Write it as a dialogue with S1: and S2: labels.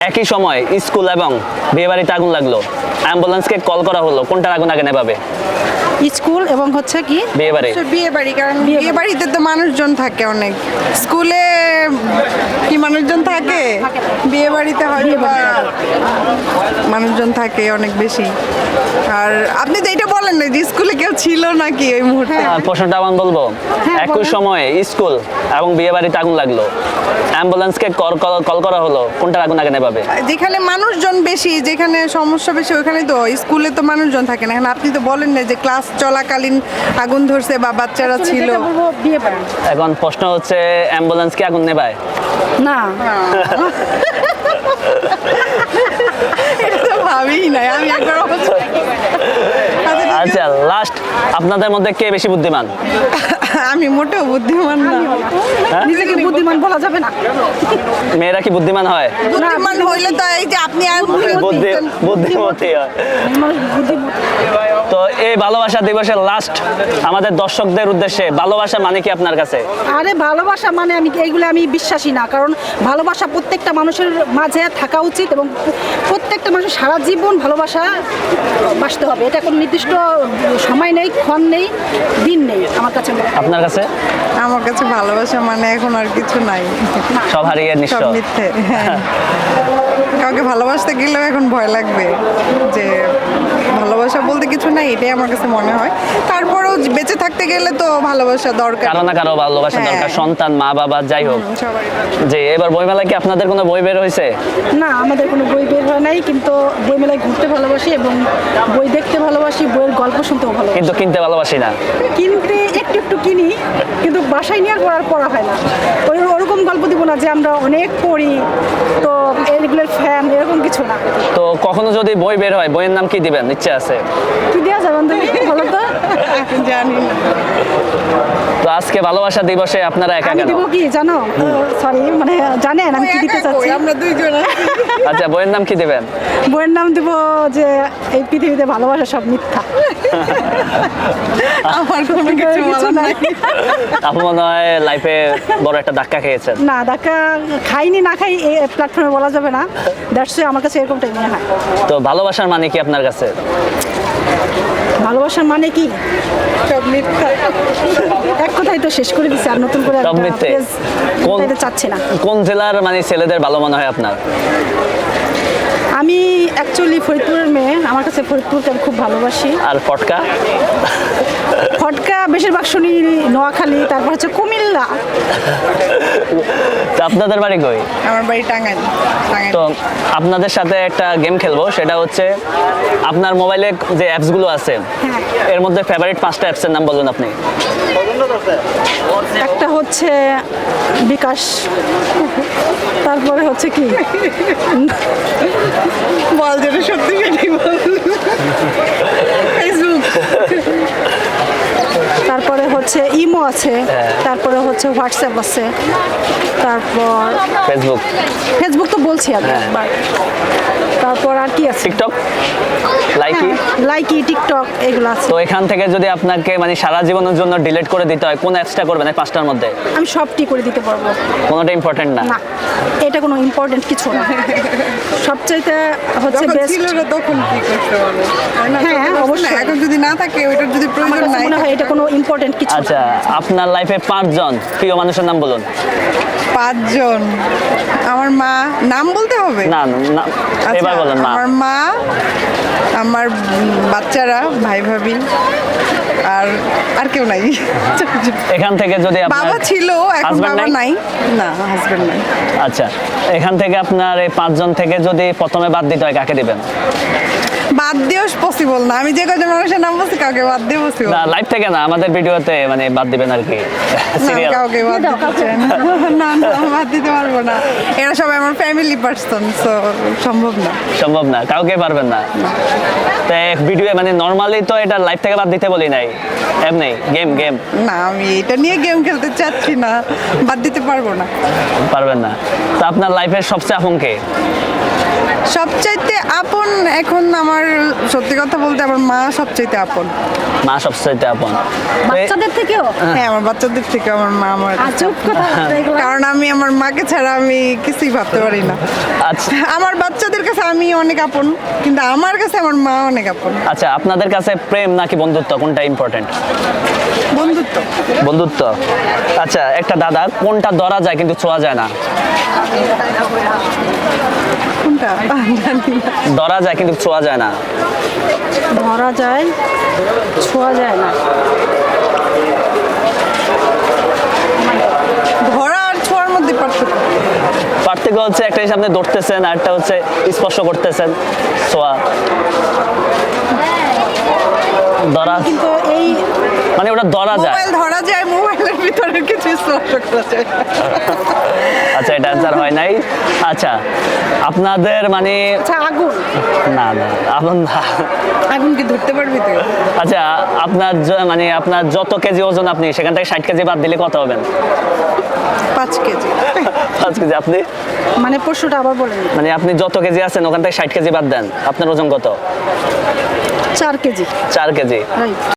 S1: একই সময় স্কুল এবং বিয়েবাড়িতে আগুন লাগলো, অ্যাম্বুলেন্সকে কল করা হলো, কোনটার আগুন আগে নেভাবে?
S2: স্কুল এবং হচ্ছে কি
S1: বিয়েবাড়ি।
S3: বিয়ে বাড়ি, কারণ বিয়ে বাড়িতে তো মানুষজন থাকে অনেক, স্কুলে কি মানুষজন থাকে? বিয়ে বাড়িতে হয়তো বা মানুষজন থাকে অনেক বেশি। আর আপনি তো এটা বলেন না যে স্কুলে কেউ ছিল নাকি ওই মুহূর্তে?
S1: প্রশ্নটা আমি বলবো, একই সময়ে স্কুল এবং বিয়েবাড়িতে আগুন লাগলো, অ্যাম্বুলেন্সকে কল করা হলো, কোনটার আগুন আগে নেভাবে?
S3: যেখানে মানুষজন বেশি, যেখানে সমস্যা বেশি, ওখানে তো স্কুলে তো মানুষজন থাকে না। এখন আপনি তো বলেন না যে ক্লাস চলাকালীন আগুন ধরছে বা বাচ্চারা ছিল।
S2: যেটা বলবো বিয়ে বাড়ি।
S1: এখন প্রশ্ন হচ্ছে অ্যাম্বুলেন্স কি আগুন নেভায়?
S2: না
S3: এটা তো ভাবিই নাই আমি একবার
S1: আচ্ছা, লাস্ট, আপনাদের মধ্যে কে বেশি বুদ্ধিমান?
S3: আমি মোটেও বুদ্ধিমান না।
S2: নিজেকে বুদ্ধিমান বলা যাবে না।
S1: মেয়েরা কি বুদ্ধিমান হয়?
S3: বুদ্ধিমান হইলে তো এই যে আপনি আর
S1: বুদ্ধিমতী হয়।
S2: মানুষ বুদ্ধিমান।
S1: তো এই ভালোবাসা দিবসের লাস্ট আমাদের দর্শকদের উদ্দেশ্যে ভালোবাসা মানে কি আপনার কাছে?
S2: আরে ভালোবাসা মানে এইগুলো আমি বিশ্বাসী না, কারণ ভালোবাসা প্রত্যেকটা মানুষের মাঝে থাকা উচিত এবং প্রত্যেকটা মানুষের সারা জীবন ভালোবাসা বাসতে হবে। এটা কোনো নির্দিষ্ট সময় নেই, ক্ষণ নেই, দিন নেই আমার কাছে মনে হয়।
S1: আপনার কাছে?
S3: আমার কাছে ভালোবাসা মানে এখন আর কিছু নাই,
S1: সব হারিয়ে
S3: সব
S1: নিশ্চয়।
S3: মিথ্যে। হ্যাঁ। কাউকে ভালোবাসতে গেলেও এখন ভয় লাগবে যে ভালোবাসা বলতে কিছু নাই, এটাই আমার কাছে মনে হয়। তারপরেও বেঁচে থাকতে গেলে তো ভালোবাসা দরকার।
S1: কারো না কারো ভালোবাসা
S3: হ্যাঁ।
S1: দরকার, সন্তান, মা বাবা, যাই হোক।
S3: সবারই।
S1: যে এবার বইমেলায় কি আপনাদের কোনো বই বের হয়েছে?
S2: না, আমাদের কোনো বই বের হয় নাই, কিন্তু বইমেলায় ঘুরতে ভালোবাসি এবং বই দেখতে ভালোবাসি, বইয়ের গল্প শুনতেও ভালোবাসি।
S1: কিন্তু কিনতে ভালোবাসি না।
S2: কিনতে একটু একটু কিনি, কিন্তু বাসায় নিয়ে আর পড়া হয় না। ওরকম গল্প দিব না যে আমরা অনেক পড়ি, তো এগুলোর ফ্যান, এরকম কিছু না।
S1: তো কখনো যদি বই বের হয়, বইয়ের নাম কি দিবেন, ইচ্ছে আছে?
S2: কি দেওয়া যাবেন তুমি বলো তো?
S3: জানি না।
S1: তো আজকে ভালোবাসা দিবসে আপনারা একা
S2: আমি
S1: কেন?
S2: দিব কি জানো? সরি, মানে জানেন আমি কি দিতে চাচ্ছি?
S3: আমরা দুইজন আছি।
S1: আচ্ছা, বইয়ের নাম কি দিবেন?
S2: বইয়ের নাম দিব যে এই পৃথিবীতে ভালোবাসা সব মিথ্যা।
S3: আমার কোনো কিছু বলার নাই।
S1: আপনি মনে হয় লাইফে বড় একটা ধাক্কা খেয়েছেন।
S2: না, ধাক্কা খাইনি, না খাই এই প্ল্যাটফর্মে বলা যাবে না। দ্যাটস আমার কাছে এরকমটাই মনে হয়।
S1: তো ভালোবাসার মানে কি আপনার কাছে?
S2: ভালোবাসার মানে কি?
S3: সব মিথ্যা।
S2: এক কথাই তো শেষ করে দিচ্ছে, আর নতুন করে
S1: সব মিথ্যে।
S2: এটা চাচ্ছি না।
S1: কোন জেলার মানে ছেলেদের ভালো মনে হয় আপনার?
S2: আমি অ্যাকচুয়ালি ফরিদপুরের মেয়ে, আমার কাছে ফরিদপুরকে আমি খুব ভালোবাসি।
S1: আর ফটকা?
S2: ফটকা বেশিরভাগ শুনি নোয়াখালী, তারপর হচ্ছে কুমিল্লা।
S1: তো আপনাদের বাড়ি কই?
S3: আমার বাড়ি টাঙ্গাইল। টাঙ্গাইল।
S1: তো আপনাদের সাথে একটা গেম খেলবো, সেটা হচ্ছে আপনার মোবাইলে যে অ্যাপসগুলো আছে এর মধ্যে ফেভারিট 5টা অ্যাপসের নাম বলুন আপনি।
S2: একটা হচ্ছে বিকাশ, তারপরে হচ্ছে কি
S3: বল, যেটা সত্যি সেটাই বল। ফেসবুক।
S2: তারপরে হচ্ছে ইমো আছে, তারপরে হচ্ছে হোয়াটসঅ্যাপ আছে, তারপর
S1: ফেসবুক,
S2: ফেসবুক তো বলছি আমি একবার। তারপর আর কি আছে?
S1: TikTok, Likee.
S2: লাইকি, টিকটক, এগুলো আছে।
S1: তো এখান থেকে যদি আপনাকে মানে সারা জীবনের জন্য ডিলিট করে দিতে হয়, কোন অ্যাপসটা করবেন এই 5টার মধ্যে?
S2: আমি সবটি করে দিতে পারবো।
S1: কোনোটা ইম্পর্টেন্ট না?
S2: না, এটা কোনো ইম্পর্টেন্ট কিছু না। সবচাইতে হচ্ছে
S3: যখন
S2: বেস্ট।
S3: ছিল না তখন কি করতে পারবো? তাই না?
S2: হ্যাঁ,
S3: তখন
S2: অবশ্যই।
S3: এখন যদি না থাকে, ওইটার যদি
S2: আমার
S3: প্রয়োজন
S2: কাছে
S3: নাই
S2: মনে হয় এটা কোনো ইম্পর্টেন্ট কিছু না।
S1: আচ্ছা, আপনার লাইফে 5জন প্রিয় মানুষের নাম বলুন।
S3: 5 জন। আমার মা, নাম বলতে হবে?
S1: না না,
S3: আচ্ছা,
S1: এবার বলেন না।
S3: আমার মা, আমার বাচ্চারা, ভাই ভাবি, আর আর কেউ নাই।
S1: এখান থেকে যদি আপনার
S3: বাবা ছিল, এখন
S1: husband
S3: বাবা নাই। না, হাজবেন্ড নাই।
S1: আচ্ছা, এখান থেকে আপনার এই 5জন থেকে যদি প্রথমে বাদ দিতে হয়, কাকে দিবেন?
S3: বাদ দিয়েও পসিবল না। আমি যে কজন মানুষের নাম বলছি, কাউকে বাদ দিয়ে পসিবল
S1: না, লাইভ থেকে না, আমাদের ভিডিওতে মানে বাদ দিবেন আর কি।
S3: না,
S1: সিরিয়াল।
S3: কাউকে বাদ দিতে চাই না। না, না, বাদ দিতে পারবো না। এরা সবাই আমার ফ্যামিলি পার্সন, সো সম্ভব না।
S1: সম্ভব না, কাউকে পারবেন না। তো ভিডিও মানে নরমালি তো এটা লাইভ থেকে বাদ দিতে বলি নাই, এমনি গেম গেম
S3: না, আমি এটা নিয়ে গেম খেলতে চাচ্ছি না, বাদ দিতে পারবো না।
S1: পারবেন না। তো আপনার লাইফের সবচেয়ে আপন কে?
S3: সবচাইতে আপন এখন আমার সত্যি কথা বলতে আমার মা সবচাইতে আপন।
S1: মা সবচেয়ে আপন। তো এই-
S2: বাচ্চাদের থেকেও
S3: হ্যাঁ, আমার বাচ্চাদের থেকে আমার মা আমার কাছে।
S2: আজব কথা এগুলো।
S3: কারণ আমি আমার মাকে ছাড়া আমি কিছুই ভাবতে পারি না।
S1: আচ্ছা
S3: আমার বাচ্চাদের কাছে আমি অনেক আপন, কিন্তু আমার কাছে আমার মা অনেক আপন।
S1: আচ্ছা, আপনাদের কাছে প্রেম নাকি বন্ধুত্ব কোনটা ইম্পর্টেন্ট?
S3: বন্ধুত্ব।
S1: বন্ধুত্ব। আচ্ছা, একটা দাদা কোনটা ধরা যায় কিন্তু ছোঁয়া যায় না?
S3: কোনটা জানি না।
S1: ধরা যায় কিন্তু ছোঁয়া যায় না।
S2: ধরা যায় ছোঁয়া যায় না।
S3: ধরা আর ছোঁয়ার মধ্যে পার্থক্য।
S1: পার্থক্য হচ্ছে একটা হিসাবে আপনি ধরতেছেন আর একটা হচ্ছে স্পর্শ করতেছেন। ছোঁয়া ধরা
S2: কিন্তু এই
S1: মানে ওটা ধরা যায়।
S3: মোবাইল ধরা যায়, মোবাইলের ভিতরে কিছু স্পর্শ করা যায়।
S1: আচ্ছা, এটা অ্যান্সার হয় নাই। আচ্ছা, আপনাদের মানে
S2: আচ্ছা আগুন,
S1: না না আপনার না।
S3: আগুন কি ধরতে পারবি তুই?
S1: আচ্ছা, আপনার মানে আপনার যত কেজি ওজন আপনি সেখান থেকে 60 কেজি বাদ দিলে কত হবেন?
S3: 5 কেজি।
S1: 5 কেজি। আপনি
S2: মানে প্রশ্নটা আবার বলেন।
S1: মানে আপনি যত কেজি আছেন ওখান থেকে 60 কেজি বাদ দেন, আপনার ওজন কত?
S2: 4 কেজি।
S1: 4 কেজি।
S2: রাইট।